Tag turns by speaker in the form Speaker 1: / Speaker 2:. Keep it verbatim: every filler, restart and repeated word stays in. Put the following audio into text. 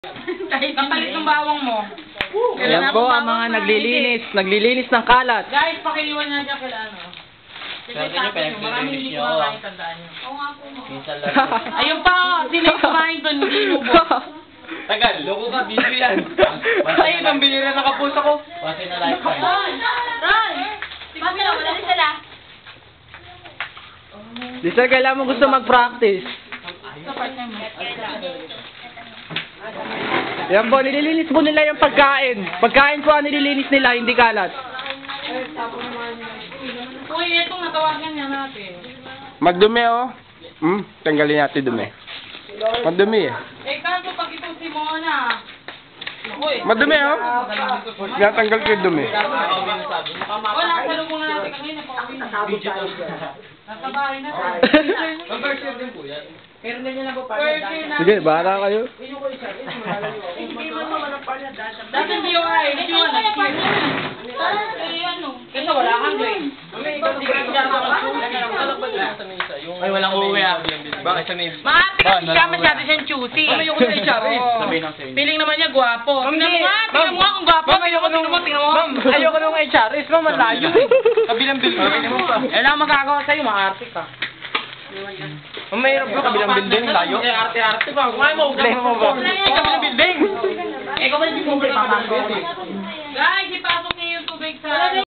Speaker 1: Kapalit ng bawang mo.
Speaker 2: Ayan po ang mga naglilinis, naglilinis ng kalat.
Speaker 1: Guys, pakiliwan nga dyan kila ano. Sige, tapos nyo. Maraming hindi kumakain, tandaan nyo. Oo nga po mo. Ayun pa, sino yung kumain doon, hindi lubo.
Speaker 3: Tagal, loko ka, video yan.
Speaker 1: Ayun, ang bilira na kapuso ko.
Speaker 3: Kasi na lifetime.
Speaker 1: Ron! Ron! Mami na, wala rin sila.
Speaker 2: Di sir, kailangan mo gusto mag-practice.
Speaker 1: Sa partner mo.
Speaker 2: Yan po, nililinis po nila yung pagkain. Pagkain po ang nililinis nila, hindi kalat.
Speaker 1: Uy, itong natawagan niya natin.
Speaker 4: Magdumi oh. Hmm, tanggalin natin dumi. Madumi eh.
Speaker 1: Eh, kanto pag ito si Mona. Uy.
Speaker 4: Madumi oh. Natanggal ko yung dumi.
Speaker 1: Wala, salubong na natin kanina pa uwi na. Nasa bahay na tayo.
Speaker 3: Conversion din po yan.
Speaker 1: Virgin na.
Speaker 2: Sige, bahala kayo.
Speaker 1: Dati hindi yung ay, hindi yung nag-skip. Eh, ano? Kasi wala kang grade.
Speaker 3: Ay, walang uuwi ah. Bakit sa name?
Speaker 1: Maati kasi siya, masyado siyang choosy.
Speaker 3: Ma'am, ayoko na H R eh.
Speaker 1: Oo.
Speaker 3: Sabihin ng sa'yo.
Speaker 1: Feeling naman niya gwapo. Tingnan mo nga, tingnan mo nga kung gwapo. Tingnan mo, tingnan mo, tingnan mo.
Speaker 3: Ma'am, ayoko nung H R S. Ma'am, malayo eh. Kabilang building mo pa.
Speaker 1: Eh, lang magagawa sa'yo, maarte ka.
Speaker 3: Ma'am, mahirap ba? Kabilang building, layo.
Speaker 1: Eh, arte-arte ba? Kumain mo,
Speaker 3: Problema mo ba?
Speaker 1: Eh,
Speaker 3: Kabilang building.
Speaker 1: Eh, kung hindi mo papasok. Guys, ipasok niyo yung tubig sa...